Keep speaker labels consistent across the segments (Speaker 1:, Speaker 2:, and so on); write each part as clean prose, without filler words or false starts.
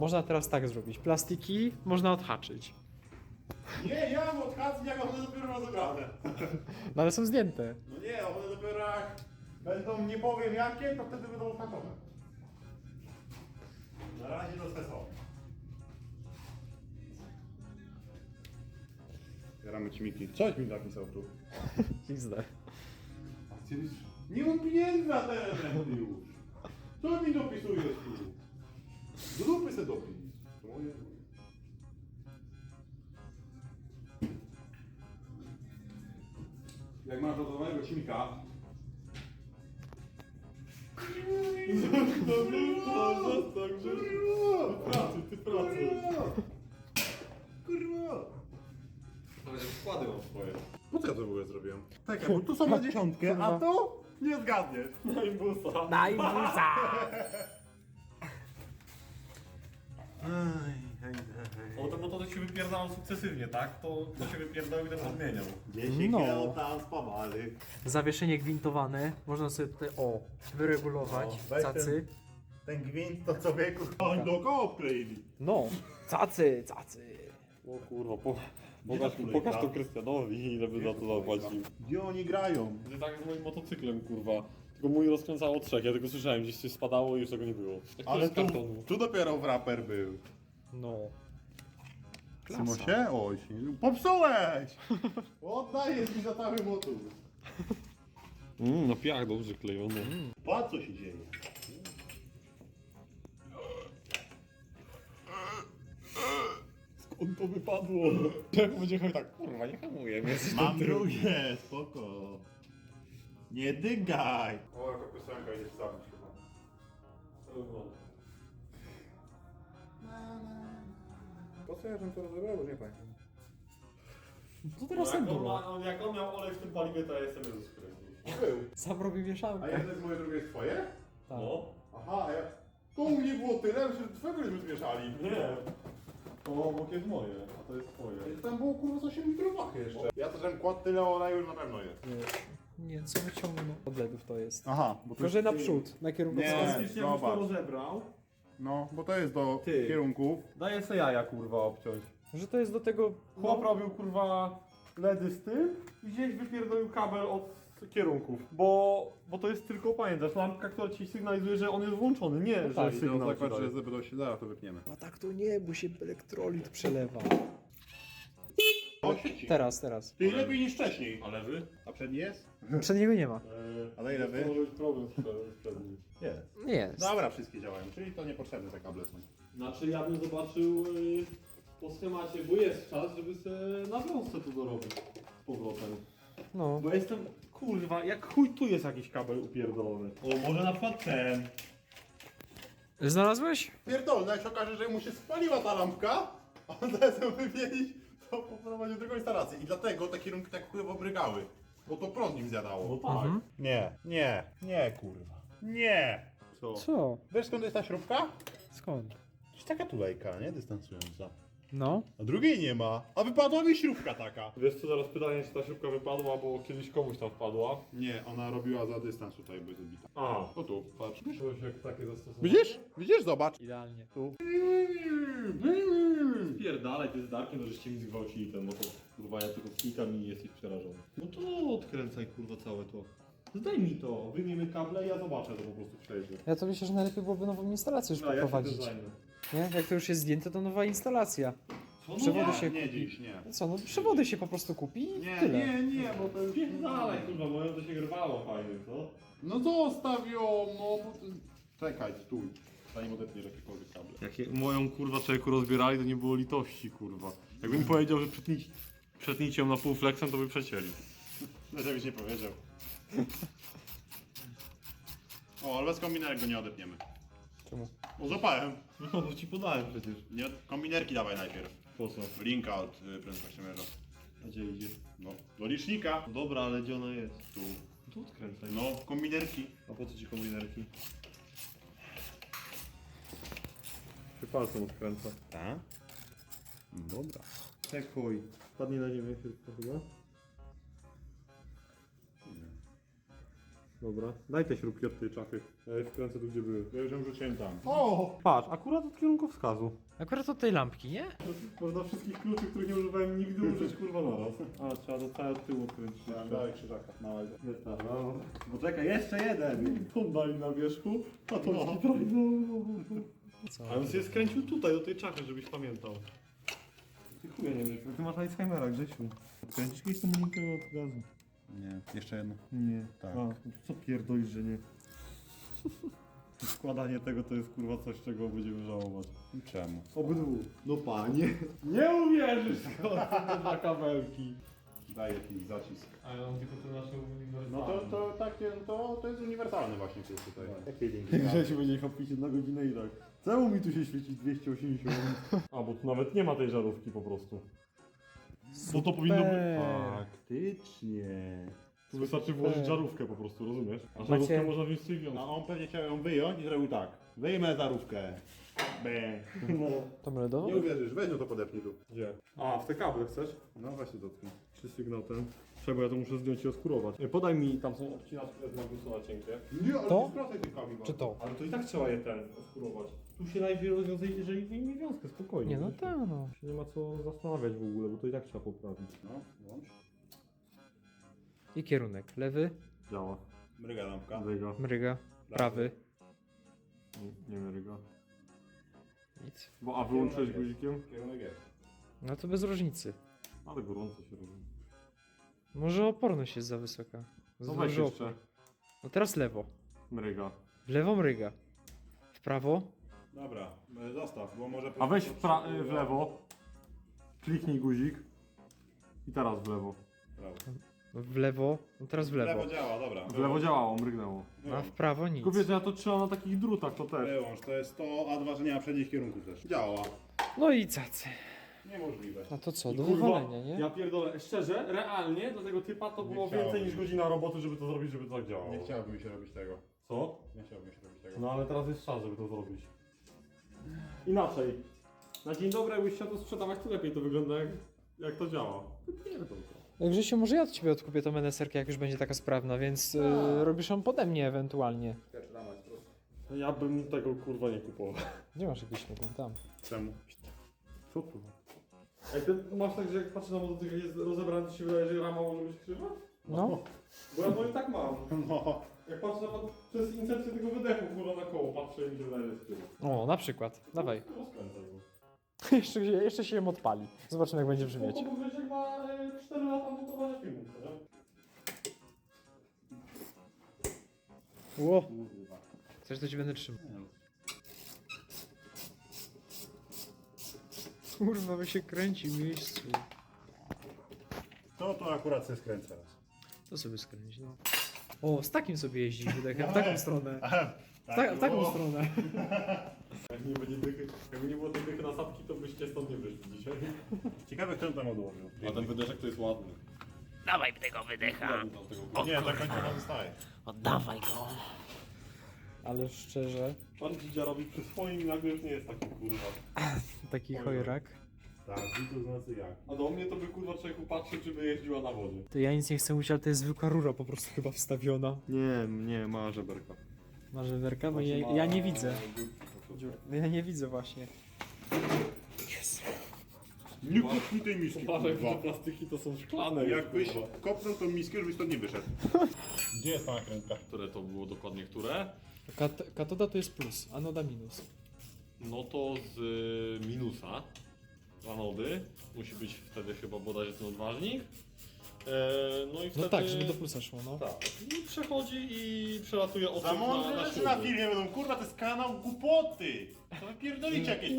Speaker 1: Można teraz tak zrobić. Plastiki można odhaczyć.
Speaker 2: Nie, ja mam odhaczki, jak one dopiero rozebrane.
Speaker 1: No ale są zdjęte.
Speaker 2: No nie, one dopiero jak będą, nie powiem jakie, to wtedy będą odhaczone. Na razie to są. Zbieramy ci Miki. Coś mi napisał tu.
Speaker 1: XD.
Speaker 2: Nie mam pieniędzy na te elementy już. Co mi dopisujesz tu? Do dupy se dopis. Moje. Jak masz do mojego silnika. Ty pracy. Kurwa.
Speaker 3: Nawet wkłady mam swoje.
Speaker 2: Po co ja to w ogóle zrobiłem? Tak, bo tu są na dziesiątkę, a tu nie zgadniesz.
Speaker 3: No i busa.
Speaker 1: Daj busa!
Speaker 3: No to się wypierdalał sukcesywnie, tak? To się wypierdalał i ten odmieniał.
Speaker 2: 10
Speaker 1: No.
Speaker 2: kilo tam spawali.
Speaker 1: Zawieszenie gwintowane. Można sobie tutaj, wyregulować.
Speaker 2: weź
Speaker 1: Cacy.
Speaker 2: Ten gwint to człowieku oni dookoła obkleili.
Speaker 1: No, cacy.
Speaker 3: O kurwa,
Speaker 2: pokaż
Speaker 3: pokaż to Krystianowi, ile by za to zapłacił.
Speaker 2: Gdzie oni grają?
Speaker 3: Tak z moim motocyklem, kurwa. Tylko mój rozkręcało trzech, ja tylko słyszałem, gdzieś coś spadało i już tego nie było. Jak to
Speaker 2: Ale
Speaker 3: z kartonu.
Speaker 2: tu dopiero wraper był.
Speaker 1: No.
Speaker 2: Symosie? Oj, popsułeś! Oddajesz mi za cały motor.
Speaker 3: No piach dobrze klejony.
Speaker 2: Patrz co się dzieje.
Speaker 3: Skąd to wypadło? Jak będzie chodził tak, kurwa, nie hamuję, więc...
Speaker 2: Mam drugie, spoko. Nie dygaj! O, jaka piosenka idzie wstawić chyba. Po co ja żem to rozebrał? Nie pamiętam.
Speaker 1: Co teraz tak było?
Speaker 3: Jak on miał olej w tym paliwie, to ja jestem Jezus Chrystus.
Speaker 2: Był.
Speaker 1: Sam robi
Speaker 2: A
Speaker 1: mieszankę.
Speaker 2: jedno jest moje, drugie jest twoje?
Speaker 1: Tak.
Speaker 3: No.
Speaker 2: Aha, a ja... To u mnie było tyle, że twojego żeśmy zmieszali.
Speaker 3: Nie. To obok jest moje, a to jest twoje.
Speaker 2: Tam było kurwa z 8 litrów wachy jeszcze. Ja też żem kładł tyle oleju, już na pewno jest.
Speaker 1: Nie, co wyciągnął od LEDów to jest.
Speaker 2: Aha, bo to
Speaker 1: Tylko, że naprzód, na kierunku
Speaker 2: Nie.
Speaker 1: wskazówki.
Speaker 3: Faktycznie już to
Speaker 2: zobacz.
Speaker 3: rozebrał.
Speaker 2: No, bo to jest do
Speaker 3: Ty.
Speaker 2: kierunków.
Speaker 3: Daję se jaja, kurwa, obciąć.
Speaker 1: Że to jest do tego...
Speaker 3: Chłop robił, kurwa, LEDy z tym i gdzieś wypierdolił kabel od kierunków. Bo to jest tylko, pamiętasz, lampka, która ci sygnalizuje, że on jest włączony, nie, że
Speaker 2: Tak,
Speaker 3: sygnał
Speaker 2: no,
Speaker 3: ci
Speaker 2: zakład,
Speaker 3: daje.
Speaker 2: że będą się zaraz to wypniemy.
Speaker 1: A tak to nie, bo się elektrolit przelewa.
Speaker 2: O, sieci.
Speaker 1: Teraz.
Speaker 2: Ty lepiej niż wcześniej.
Speaker 3: A lewy?
Speaker 2: A przedni jest?
Speaker 1: Przedniego nie ma.
Speaker 2: Ale ile wy?
Speaker 3: To może być problem z przednim.
Speaker 2: Jest.
Speaker 1: Nie jest.
Speaker 2: Dobra, wszystkie działają, czyli to niepotrzebne te kable są.
Speaker 3: Znaczy ja bym zobaczył po schemacie, bo jest czas, żeby sobie na wiązce tu dorobić z powrotem.
Speaker 1: No.
Speaker 3: Bo jestem, kurwa, jak chuj tu jest jakiś kabel upierdolony. O, może na przykład ten.
Speaker 1: Znalazłeś?
Speaker 2: Pierdolne, jak się okaże, że mu się spaliła ta lampka, a on zaraz ją wymienić, to poprowadził drugą instalację. I dlatego te kierunki tak chujowo brygały. Bo to prąd nim
Speaker 3: No
Speaker 2: zjadało.
Speaker 3: tak.
Speaker 2: Nie, kurwa. Nie! Co?
Speaker 1: Co?
Speaker 2: Wiesz skąd jest ta śrubka?
Speaker 1: Skąd?
Speaker 2: Jest taka tulejka, nie? Dystansująca.
Speaker 1: No.
Speaker 2: A drugiej nie ma. A wypadła mi śrubka taka.
Speaker 3: Wiesz co, zaraz pytanie, czy ta śrubka wypadła, bo kiedyś komuś tam wpadła.
Speaker 2: Nie, ona robiła za dystans tutaj, by zbita.
Speaker 3: A,
Speaker 2: O tu, patrz.
Speaker 3: coś jak takie zastosowanie.
Speaker 2: Widzisz? Widzisz? Zobacz.
Speaker 1: Idealnie.
Speaker 2: Tu.
Speaker 3: Spierdalaj, ty z Darkiem, no żeście mi zgwałcili ten motor. Kurwa, ja tylko klikam i jesteś przerażony. No to odkręcaj, kurwa, całe to. Zdaj mi to, wyjmiemy kable i ja zobaczę, to po prostu przejdzie.
Speaker 1: Ja to myślę, że najlepiej byłoby nową instalację już
Speaker 3: No, ja się
Speaker 1: poprowadzić.
Speaker 3: tym zajmę.
Speaker 1: Nie? Jak to już jest zdjęte, to nowa instalacja.
Speaker 3: Co,
Speaker 1: Przewody
Speaker 3: no
Speaker 1: się
Speaker 2: Nie
Speaker 1: kupi.
Speaker 2: dziś, nie.
Speaker 1: No co, no przewody się po prostu kupi i tyle.
Speaker 2: Nie, bo to jest...
Speaker 3: Spierdalaj, kurwa, moją to się rwało fajnie, co?
Speaker 2: No zostaw ją, no bo... Czekaj, stój. Zanim odetniesz jakiekolwiek kable.
Speaker 3: Jak moją, kurwa, człowieku rozbierali, to nie było litości, kurwa. Jakbym powiedział, że przetnijcie ją na pół flexem, to by przecięli.
Speaker 2: No żebyś nie powiedział. O, ale bez kombinerek go nie odetniemy.
Speaker 1: Czemu?
Speaker 2: O, złapałem.
Speaker 3: No, bo ci podałem przecież.
Speaker 2: Nie, kombinerki dawaj najpierw.
Speaker 3: Po co?
Speaker 2: Linka od prędkościomierza.
Speaker 3: A gdzie idzie?
Speaker 2: No, do licznika.
Speaker 3: No dobra, ale gdzie ona jest?
Speaker 2: Tu.
Speaker 3: Tu odkręcaj.
Speaker 2: No, kombinerki.
Speaker 3: A po co ci kombinerki? Czy palcem odkręca?
Speaker 2: Tak? Dobra.
Speaker 3: Czekuj. Padnie na ziemię tylko chyba. Dobra. Daj te śrubki od tej czachy. Ja je wkręcę tu, gdzie były.
Speaker 2: Ja już ją rzuciłem tam.
Speaker 3: O! Patrz, akurat od kierunkowskazu.
Speaker 1: Akurat od tej lampki, nie?
Speaker 3: Można wszystkich kluczy, których nie używałem nigdy, użyć kurwa naraz. A, trzeba do całego tyłu odkręcić.
Speaker 2: Dawaj krzyżaka, małego.
Speaker 3: No. Bo czekaj, jeszcze jeden! Kondali na wierzchu, a to no.
Speaker 1: Co?
Speaker 3: A on sobie skręcił tutaj, do tej czachy, żebyś pamiętał. Ty chuja nie wiesz, ty masz Alzheimera, Grzesiu. Kręcisz kiedyś tą linkę od gazu?
Speaker 2: Nie, jeszcze jedno.
Speaker 3: Nie.
Speaker 2: Tak.
Speaker 3: A, co pierdolisz, że nie? Składanie tego to jest kurwa coś, czego będziemy żałować.
Speaker 2: Czemu?
Speaker 3: Obydwu. No panie. Nie uwierzysz skąd te dwa kabelki.
Speaker 2: Daj jakiś zacisk.
Speaker 3: A ja mam tylko te nasze uniwersalne.
Speaker 2: No to takie, to jest uniwersalny właśnie tu tutaj.
Speaker 3: Jakie linki? Grzesiu będzie chopić 1 godzinę i tak. Czemu mi tu się świeci 280? A, bo tu nawet nie ma tej żarówki po prostu. Bo to powinno być... Faktycznie. Tu wystarczy włożyć żarówkę po prostu, rozumiesz? A żarówkę
Speaker 1: Macie-
Speaker 3: można wziąć z tej wiązki.
Speaker 2: A on pewnie chciał ją wyjąć i zrobił tak. Wyjmę zarówkę. Be.
Speaker 1: To melodową?
Speaker 2: Nie uwierzysz, weź no to podepnij tu.
Speaker 3: Gdzie? A, w te kable chcesz?
Speaker 2: No właśnie dotknij.
Speaker 3: Czy sygnał ten? Trzeba, ja to muszę zdjąć i oskurować. Podaj mi, tam są obcinaczki z magnusa cienkie.
Speaker 2: Nie, ale
Speaker 1: To?
Speaker 2: nie skracaj tych kabli.
Speaker 1: Czy to?
Speaker 3: Ale to i tak trzeba je oskurować. Tu się najpierw rozwiązuje, jeżeli wyjmie wiązkę, spokojnie.
Speaker 1: Nie, no tak, no.
Speaker 3: Się nie ma co zastanawiać w ogóle, bo to i tak trzeba poprawić.
Speaker 2: No, włącz.
Speaker 1: I kierunek. Lewy,
Speaker 3: Działa.
Speaker 2: Mryga lampka.
Speaker 3: Mryga.
Speaker 1: mryga, prawy.
Speaker 3: Nie mryga.
Speaker 1: Nic.
Speaker 3: Bo a wyłączyłeś guzikiem?
Speaker 2: Kierunek jest.
Speaker 1: No to bez różnicy.
Speaker 3: Ale gorąco się robi.
Speaker 1: Może oporność jest za wysoka. Za
Speaker 3: No weź
Speaker 1: duży
Speaker 3: jeszcze.
Speaker 1: opór. No teraz lewo.
Speaker 3: Mryga.
Speaker 1: W lewo mryga. W prawo.
Speaker 2: Dobra, zostaw, bo może...
Speaker 3: A weź w lewo. Kliknij guzik. I teraz w lewo.
Speaker 2: Prawo.
Speaker 1: W lewo. No teraz w lewo.
Speaker 2: działa, dobra.
Speaker 3: W lewo działało, mrygnęło.
Speaker 1: A w prawo nic.
Speaker 3: Tylko wiesz, ja to trzymam na takich drutach, to też.
Speaker 2: Wyłącz, to jest to, a dwa, że nie ma przednich kierunków też. Działa.
Speaker 1: No i cacy.
Speaker 2: Niemożliwe.
Speaker 1: A to co?
Speaker 3: I
Speaker 1: Do
Speaker 3: kurwa,
Speaker 1: wywalenia, nie?
Speaker 3: Ja pierdolę, szczerze, realnie dla tego typa to
Speaker 2: Nie
Speaker 3: było
Speaker 2: chciało
Speaker 3: więcej
Speaker 2: mi
Speaker 3: niż
Speaker 2: się.
Speaker 3: godzina roboty, żeby to zrobić, żeby to tak działało.
Speaker 2: Nie chciałbym się robić tego.
Speaker 3: Co?
Speaker 2: Nie chciałbym się robić tego.
Speaker 3: No ale teraz jest czas, żeby to zrobić. Inaczej. Na dzień dobry, jakbyś chciał to sprzedawać, to lepiej to wygląda, jak to działa. Wypierdol to.
Speaker 1: Grzesiu, może ja od ciebie odkupię tą NSR-kę, jak już będzie taka sprawna, więc robisz ją pode mnie ewentualnie.
Speaker 3: Ja bym tego kurwa nie kupował.
Speaker 1: Gdzie masz jakiś śmietnik? Tam.
Speaker 2: Czemu?
Speaker 3: Co tu? Ej, ty masz tak, że jak patrzę na motocykl, jak jest rozebrany, to się wydaje, że rama może być krzywa?
Speaker 1: No.
Speaker 3: Bo ja to i tak mam.
Speaker 2: No.
Speaker 3: Jak patrzę na przez incepcję tego wydechu, kurwa, na koło patrzę i mi się wydaje, że jest krzywa.
Speaker 1: O, na przykład. Dawaj.
Speaker 3: Rozkręcaj go.
Speaker 1: jeszcze się ją odpali. Zobaczymy, jak będzie brzmieć.
Speaker 3: Bo Grzesiek ma 4 lata montowania filmów, nie?
Speaker 1: Ło. Chcesz, to ci będę trzymał. Kurwa, by się kręci w miejscu.
Speaker 2: To akurat się skręca raz.
Speaker 1: To sobie skręć, no. O, z takim sobie jeździć wydechem, w taką stronę. W taką
Speaker 2: było.
Speaker 1: stronę.
Speaker 3: Jakby nie było tej dychy nasadki, to byście stąd nie wyszli dzisiaj.
Speaker 2: Ciekawe, kto tam odłożył.
Speaker 3: A ten wydeszek to jest ładny.
Speaker 4: Dawaj tego wydecha.
Speaker 2: Nie, tak końcowo zostaje.
Speaker 4: Oddawaj go.
Speaker 1: Ale szczerze,
Speaker 3: Pan Dzidzia robi przy swoim i nagle już nie jest taki kurwa.
Speaker 1: taki chojrak.
Speaker 2: Tak, i to znaczy jak.
Speaker 3: A do mnie to by kurwa człowieku patrzył, czy by jeździła na wodzie.
Speaker 1: To ja nic nie chcę mówić, ale to jest zwykła rura po prostu chyba wstawiona.
Speaker 3: Nie, ma żeberka.
Speaker 1: Masz werka? Bo ja nie widzę. Ja nie widzę właśnie.
Speaker 2: Nie kupuj tej miski,
Speaker 3: Uważaj, że
Speaker 2: kurwa.
Speaker 3: te plastyki to są szklane.
Speaker 2: Jakbyś
Speaker 3: kurwa.
Speaker 2: kopnął tą miskę, żebyś stąd nie wyszedł. Gdzie jest ta nakrętka?
Speaker 3: Które to było dokładnie, które?
Speaker 1: Katoda to jest plus, anoda minus.
Speaker 3: No to z minusa anody. Musi być wtedy chyba bodajże ten odważnik. No i wtedy...
Speaker 1: No tak, żeby do plusa szło, no.
Speaker 3: Tak. I przechodzi i przelatuje
Speaker 2: Za
Speaker 3: osób
Speaker 2: mądre
Speaker 3: na
Speaker 2: rzeczy na
Speaker 3: śruby.
Speaker 2: filmie będą, kurwa, to jest kanał głupoty! To wy pierdolicie jakieś...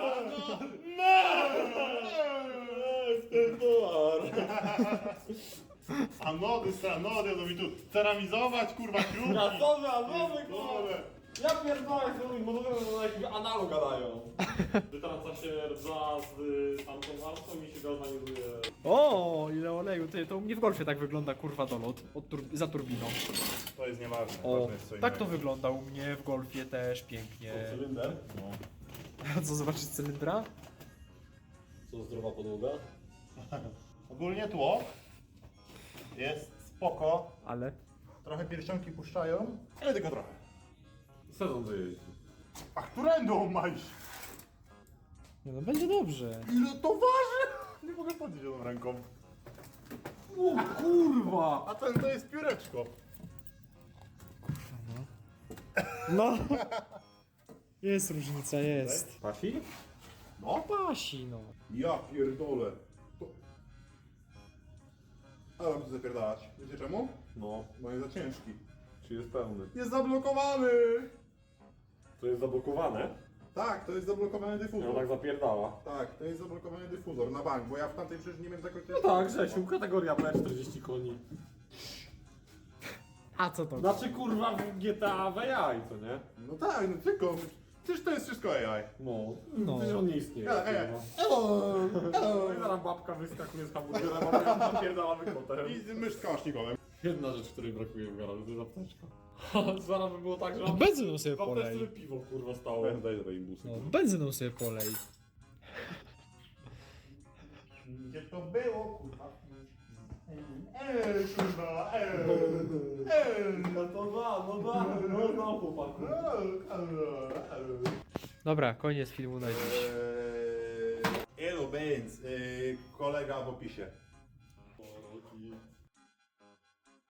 Speaker 2: Anody, stranody, to mi tu ceramizować, kurwa, kruki!
Speaker 3: Anody, kurwa! Ja pierdolę, bo to na jakiś analog gadają. Wytraca się rdza z tamtą arcą i się galwanizuje.
Speaker 1: O, ile oleju, to u mnie w golfie tak wygląda kurwa dolot za turbiną.
Speaker 2: To jest nieważne,
Speaker 1: O,
Speaker 2: ważne jest co
Speaker 1: tak to
Speaker 2: innego.
Speaker 1: wygląda u mnie w golfie też pięknie.
Speaker 3: Cylinder?
Speaker 2: No.
Speaker 1: A co, zobaczyć cylindra?
Speaker 3: Co, zdrowa podłoga?
Speaker 2: Ogólnie tło jest spoko,
Speaker 1: Ale?
Speaker 2: Trochę pierścionki puszczają, ale tylko trochę.
Speaker 3: Sezon dojeździ.
Speaker 2: A którędą masz?
Speaker 1: Nie no, będzie dobrze.
Speaker 2: Ile to waży? Nie mogę podnieść jedną ręką.
Speaker 3: O kurwa!
Speaker 2: A ten to jest pióreczko.
Speaker 1: No. Jest różnica, jest.
Speaker 3: Pasi?
Speaker 2: No.
Speaker 1: Pasi, no.
Speaker 2: Ja pierdolę. To... Ale mam tu zapierdalać. Wiecie czemu?
Speaker 3: No,
Speaker 2: Bo jest za ciężki.
Speaker 3: czy jest pełny?
Speaker 2: Jest zablokowany!
Speaker 3: To jest zablokowane?
Speaker 2: Tak, to jest zablokowany
Speaker 3: Ja
Speaker 2: dyfuzor.
Speaker 3: tak zapierdala.
Speaker 2: Tak, to jest zablokowany dyfuzor na bank, bo ja w tamtej przecież nie miałem zakończenia.
Speaker 3: No tak, Grzesiu, kategoria B 40 koni.
Speaker 1: A co to?
Speaker 3: Znaczy kurwa w GTA w AI, co nie?
Speaker 2: No tak, no tylko. Przecież to jest wszystko AI.
Speaker 3: No,
Speaker 1: No.
Speaker 3: przecież on nie istnieje.
Speaker 2: Hello!
Speaker 3: No i zaraz babka wyskakuje z hamburgerem, a ja napierdalamy kotem.
Speaker 2: I mysz z kałasznikowym.
Speaker 3: Jedna rzecz, której brakuje w garażu, to jest apteczka. Zaraz by było tak, że
Speaker 1: No, benzyną sobie
Speaker 3: w apteczce
Speaker 1: polej.
Speaker 3: piwo kurwa stało. Daj Rainbusy.
Speaker 1: No, benzyną sobie polej.
Speaker 2: Gdzie to było, kurwa? Kurwa,
Speaker 3: No to no chłopaku.
Speaker 1: Dobra, koniec filmu na dziś.
Speaker 2: Elo Benz, kolega w opisie.
Speaker 3: Poroki.